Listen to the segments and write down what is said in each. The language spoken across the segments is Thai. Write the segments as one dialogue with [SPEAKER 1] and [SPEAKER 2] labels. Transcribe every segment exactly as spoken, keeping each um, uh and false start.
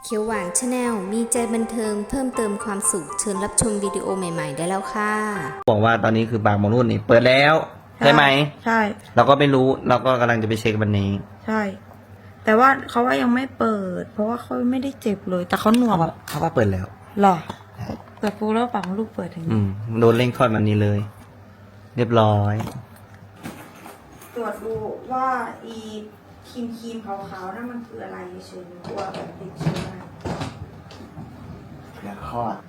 [SPEAKER 1] เขียวหวานชาแนลมีใจบันเทิงเพิ่มเติมความสุขเชิญรับชมวิดีโอใหม่ๆได้แล้วค่ะ
[SPEAKER 2] บอกว่าตอนนี้คือบางมรุ่นนี่เปิดแล้วใช่ไหม
[SPEAKER 3] ใช่
[SPEAKER 2] เราก็ไม่รู้เราก็กำลังจะไปเช็ควันนี้
[SPEAKER 3] ใช่แต่ว่าเขาว่ายังไม่เปิดเพราะว่าเขาไม่ได้เจ็บเลยแต่เขาหนวก
[SPEAKER 2] เขาว่าเขาว่าเปิดแล้ว
[SPEAKER 3] หรอแต่ฟูแล้วปังลูกเปิดถึง
[SPEAKER 2] อืมโดนเร่งคลอดวันนี้เลย เรียบร้อย
[SPEAKER 3] ตรวจดูว่าอีครีมครีมขาวๆนั่นมันคืออะไรเฉยๆตัวแบบติดเชื้อ
[SPEAKER 2] อยากคลอด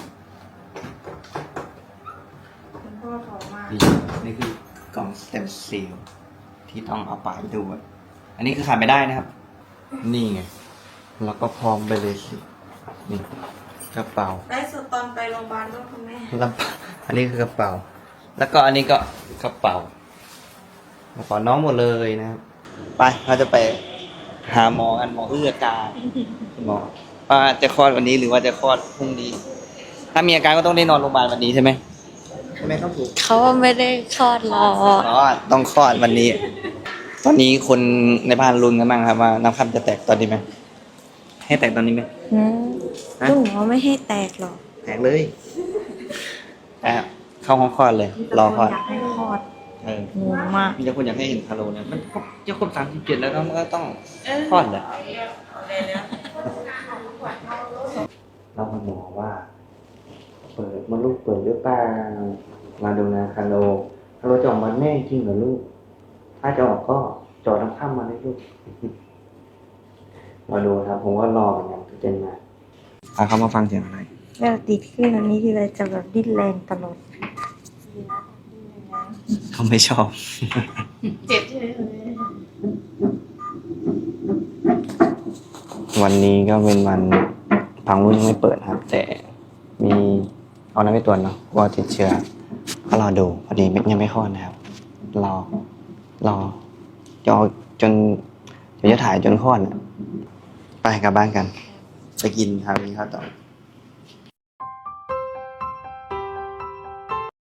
[SPEAKER 3] คุณพ่อขอมา
[SPEAKER 2] นี่คือกล่องสเต็มเซลล์ที่ต้องเอาไปด้วยอันนี้คือขาดไม่ได้นะครับ นี่ไงแล้วก็พร้อมไปเลยสินี่กระเป๋า
[SPEAKER 3] ได้สุดตอนไปโรงพยาบาลด้วยคุณแม่
[SPEAKER 2] แล้วอันนี้คือกระเป๋า แล้วก็อันนี้ก็กระเป๋ากระเป๋าน้องหมดเลยนะครับไปเราจะไปหาหมอกันหมอเอื้อการหมอว่าจะคลอดวันนี้หรือว่าจะคลอดพรุ่งนี้ ถ้ามีอาการก็ต้องได้นอนโรงพยาบาลวันนี้ใช่ไหมใช่ไหมครับผม
[SPEAKER 4] เขาไม่ได้คลอดหรอก
[SPEAKER 2] อ๋อต้องคลอดวันนี้ ตอนนี้คนในบ้านรุนกันบ้างครับว่าน้ำคำจะแตกตอนนี้ไหมให้แตกตอนนี้ไหม
[SPEAKER 3] อืมลูกเขาไม่ให้แตกหรอก
[SPEAKER 2] แตกเลยอ่ะเข้าห้องคลอดเลยรอคลอด
[SPEAKER 3] อยากให้คลอด
[SPEAKER 2] เออง
[SPEAKER 3] งมาก
[SPEAKER 2] มีแต่คนอยากให้เห็นคาโลเนี่ยมันจะครบสามสิบเจ็ดแล้วมันก็ต้องคลอดแหละเราคุณหมอว่าเปิดมดลูกเปิดหรือเปล่ามาดูนะคาโลคาโลจะออกมาแน่จริงเหรอลูกถ้าจะออกก็จอดน้ำข้ามมาเลยลูกมาดูครับผมก็รอเหมือนกันทุกเจนมาพาเขามาฟังเสียงอะไร
[SPEAKER 3] เวลาติดขึ้นอันนี้ทีไรจะแบบดิ้นแรงตลอด
[SPEAKER 2] เขาไม่ชอบ
[SPEAKER 4] เจ็บใช่ไหม
[SPEAKER 2] วันนี้ก็เป็นวันพังรุ่นยังไม่เปิดครับแต่มีเอาน้ำไปตรวจเนาะว่าติดเชื้อก็รอดูพอดียังไม่คลอดนะครับรอรอจอจนเดี๋ยวจะถ่ายจนคลอดไปกลับบ้านกันไปกินครับกินข้าวต่อ